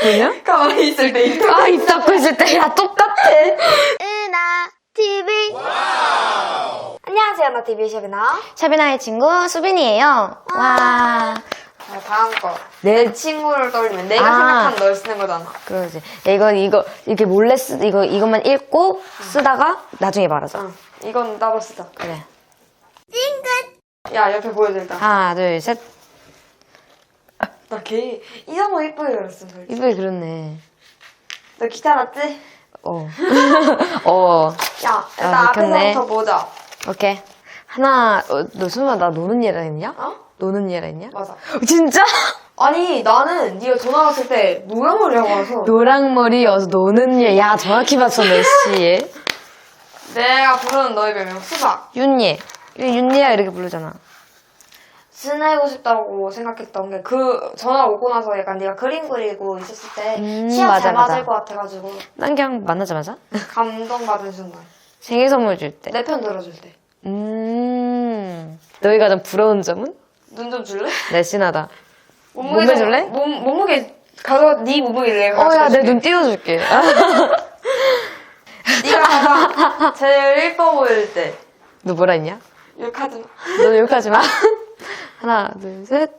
뭐냐? 가만히 있을 때 입 아, 입 닫고 있을 때. 야, 똑같아. 은하 TV. 안녕하세요, 나 TV 샵이나. 샤비나의 친구 수빈이에요. 와. 자, 다음 거. 내 내 친구를 떠올리면 내가 아. 생각한 널 쓰는 거잖아. 그러지. 야, 이거 이렇게 몰래 이것만 읽고 쓰다가 나중에 말하자. 응. 이건 따로 쓰자. 그래. 야, 옆에 보여줘 일단. 하나, 둘, 셋. 나 걔 이상한 이쁘게 그렸어. 솔직히. 이쁘게 그렸네. 너 귀찮았지? 어. 어. 야, 일단 아, 앞에서부터 그렇네. 보자. 오케이. 하나, 너 설마 나 노는 얘라 했냐? 어? 노는 얘라 했냐? 맞아. 진짜? 아니, 나는 네가 전화 왔을 때 노랑머리하고 와서 노랑머리여서 노는 얘. 야, 정확히 봤었네, 씨. 내가 부르는 너의 별명 수박. 윤예. 윤예야 이렇게 부르잖아. 지내고 싶다고 생각했던 게 그 전화 오고 나서 약간 네가 그림 그리고 있었을 때 취향 맞아, 잘 맞을 맞아. 것 같아가지고 난 그냥 만나자마자 감동받은 순간. 생일 선물 줄 때. 내 편 들어줄 때. 너희 가장 부러운 점은? 눈 좀 줄래? 날씬하다. 몸무게 몸매 줄래? 몸무게 네 몸무게를 내가 야, 내 가져줄게. 눈 띄워줄게. 네가 가장 제일 예뻐 보일 때. 너 뭐라 했냐? 욕하지 마. 너 욕하지 마. 하나, 둘, 셋.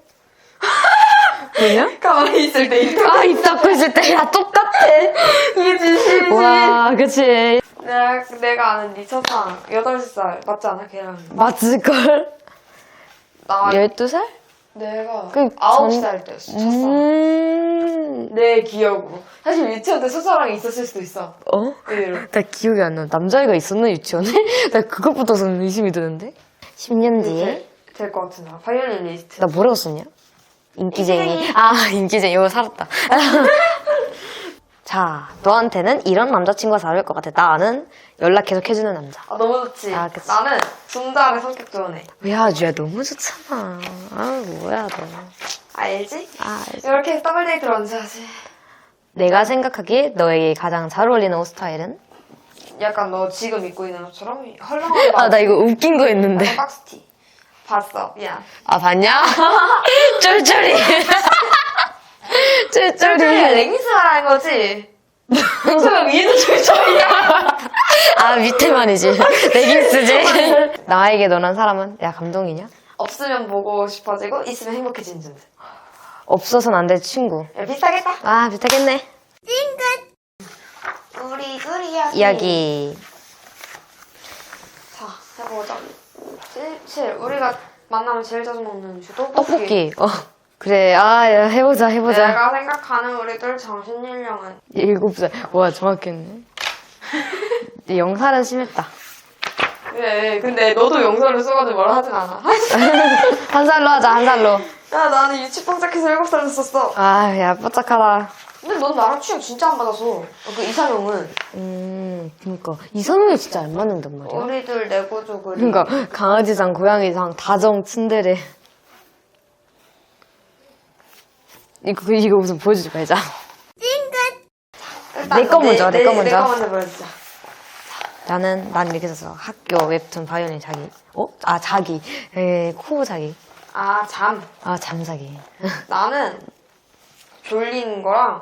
뭐냐? 가만히 있을 때 입 아, 입 닫고 있을 때. 야, 똑같아. 이게 진심이지. 와, 그치. 내가 아는 네 첫사랑 8살 맞지 않아? 걔랑 맞을걸? 나 12살? 내가 그 9살 때였어 첫사랑. 내 기억으로. 사실 유치원 때 첫사랑이 있었을 수도 있어. 어? 의외로. 나 기억이 안 나. 남자애가 있었나, 유치원에? 나 그것부터서는 의심이 드는데? 10년 뒤에? 될 것 같은 나 바이올린 리스트. 나 뭐라고 썼냐? 인기쟁이. 인기쟁이. 아, 인기쟁이. 이거 살았다. 자, 너한테는 이런 남자친구가 잘 어울릴 것 같아. 나는 연락 계속 해주는 남자. 아 너무 좋지. 아, 그치. 나는 중자의 성격 좋은 애. 야, 야, 너무 좋잖아. 아, 뭐야, 너. 알지? 아, 이렇게 해서 더블 데이트를 언제 하지? 내가 생각하기에 너에게 가장 잘 어울리는 옷 스타일은? 약간 너 지금 입고 있는 옷처럼 헐렁하게 아, 나 이거 웃긴 거 했는데. 약간 박스티. 봤어. 미안. 아, 봤냐? 쫄쫄이. 쫄쫄이가 쫄쫄이. 레깅스 말하는 거지? 쫄쫄이 위에도 쫄쫄이야. 아, 밑에만이지. 레깅스지. 나에게 너란 사람은? 야, 감동이냐? 없으면 보고 싶어지고 있으면 행복해지는 존재. 없어서는 안 될 친구. 야, 비슷하겠다. 아, 비슷하겠네. 우리 둘 이야기. 자, 해보자. 7. 우리가 만나면 제일 자주 먹는 음식 떡볶이. 그래. 아, 야, 해보자. 내가 생각하는 우리 둘 정신 연령은 7살. 와, 정확했네. 영살은 심했다. 그래. 근데 너도 영상을 써가지고 뭐라 하진 않아. 한 살로 하자, 한 살로. 야, 나는 유치원 시작해서 7살 썼어. 아, 야, 뽀짝하다. 근데 넌 나랑 취향 진짜 안 맞아서. 그 이상형은 그니까. 이성이 진짜 안 맞는단 말이야. 우리 둘 내고조 그리. 그니까, 강아지상, 고양이상, 다정, 츤데레. 이거 무슨 보여주지 말자. 일단 내거 먼저, 내거 먼저. 내거 먼저 보여주자. 난 이렇게 썼어. 학교, 웹툰, 바이올린, 자기. 아, 자기. 코 자기. 아, 잠. 아, 잠자기. 나는 졸린 거랑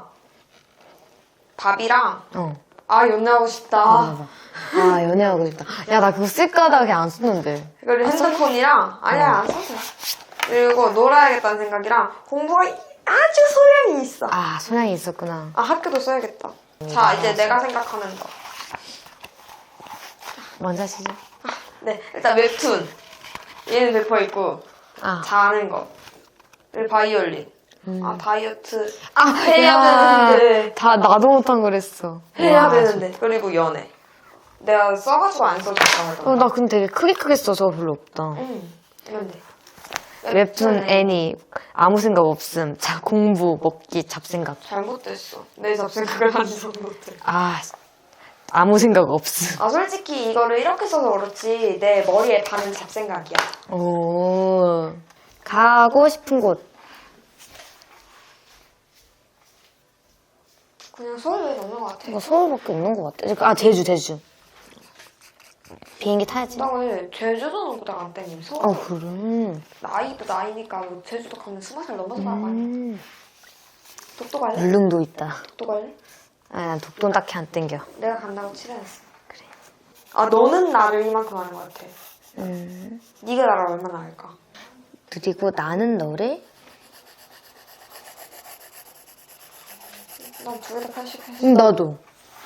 밥이랑 연애하고 싶다. 아, 연애하고 싶다. 야, 나 그거 쓸까 하다가 그냥 안 썼는데. 그리고 핸드폰이랑 아니야 안 썼어. 그리고 놀아야겠다는 생각이랑 공부가 아주 소량이 있어. 아, 소양이 있었구나. 아 학교도 써야겠다. 자 이제 내가 생각하는 거. 먼저 하시죠. 네 일단 웹툰. 얘는 100% 있고 아, 자는 거. 그리고 바이올린. 아 다이어트 아, 해야 되는데. 다 나도 못한 거랬어. 해야 와, 되는데. 그리고 연애. 내가 써가지고 안 써줬다. 나 근데 되게 크게 써서 별로 없다. 응. 이건데. 웹툰, 애니, 아무 생각 없음. 자, 공부, 먹기, 잡생각. 잘못됐어. 내 잡생각을 안 해서 못해. 아, 아무 생각 없음. 아 솔직히 이거를 이렇게 써서 그렇지 내 머리에 반은 잡생각이야. 오. 가고 싶은 곳. 그냥 서울 여행 없는 것 같아. 이거 서울밖에 없는 것 같아. 아, 제주. 비행기 타야지. 나 왜 제주도는 그닥 안 땡기면 서울. 아, 그래. 나이도 나이니까 뭐 제주도 가면 20살 넘어서 나가야 독도 갈래? 울릉도 있다. 독도 갈래? 아, 난 독도는 딱히 안 땡겨. 내가 간다고 칠해놨어. 그래. 아, 너는 나를 이만큼 아는 것 같아. 네가 나를 얼마나 알까? 그리고 나는 너를 난 두 개 다 80했어. 나도.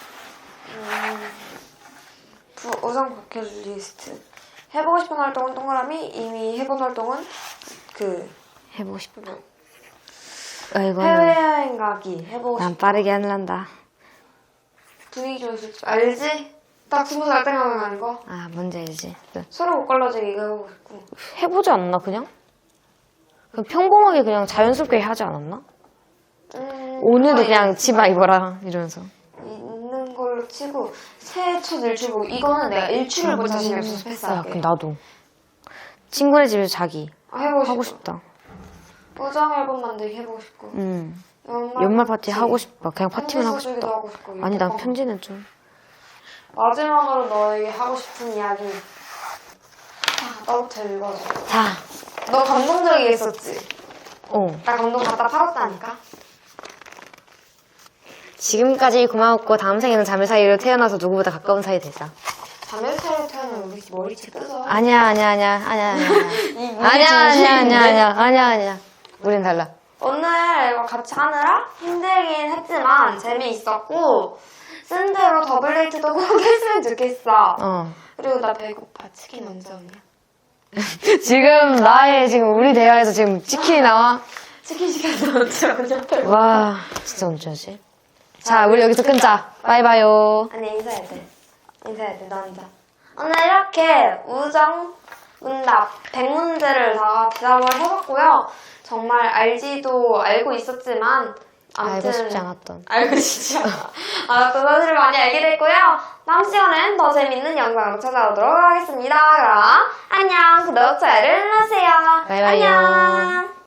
우선 버킷리스트. 해보고 싶은 활동은 동그라미. 이미 해본 활동은 해보고 싶다. 아, 이거는 해외여행 가기. 해보고 난 싶다. 빠르게 하려다. 분위기 좋은 술집. 알지? 딱 20살 때 가는 거. 아, 뭔지 알지. 서로 못 갈라지게 이거 해보고 싶고. 해보지 않나 그냥? 그냥 평범하게 그냥 자연스럽게 하지 않았나? 오늘도 그냥 치마 입어라 이러면서. 있는 걸로 치고 새해 첫 일출보고 이거는 내가 일출을 볼 자신이 없어서 야, 패스할게. 그럼 나도. 친구네 집에서 자기. 해보고 하고 싶어. 싶다. 우정 앨범 만들기 해보고 싶고. 연말 파티 하고 싶다. 그냥 파티만 하고 편지 써주기도 싶다. 하고 싶고. 아니, 난 이거. 편지는 좀. 마지막으로 너에게 하고 싶은 이야기. 너부터 읽어줘. 자, 너 감동적이게 썼지? 나 감동 갖다 팔았다니까? 지금까지 고마웠고 다음 생에는 자매 사이로 태어나서 누구보다 가까운 사이 되자. 자매 사이로 태어나면 우리 머리채 뜯어. 아니야. 우린 달라. 오늘 이거 같이 하느라 힘들긴 했지만 재미있었고 쓴 대로 더블 데이트도 꼭 했으면 좋겠어. 그리고 나 배고파. 치킨 언제 오냐? 지금 우리 대화에서 지금 치킨이 나와? 치킨 시켜서 언제 오냐? 와, 진짜 언제 하지? 자, 우리 여기서 끊자. 바이바요. 아니 인사해야 돼. 너 앉아. 오늘 이렇게 우정 문답 100문제를 다 대답을 해봤고요. 정말 알고 있었지만 아무튼 알고 싶지 않았던. 알고 싶지 않았던 사실을 많이 알게 됐고요. 다음 시간엔 더 재밌는 영상으로 찾아오도록 하겠습니다. 그럼 안녕. 구독, 좋아요를 눌러주세요. 바이바이요. 안녕.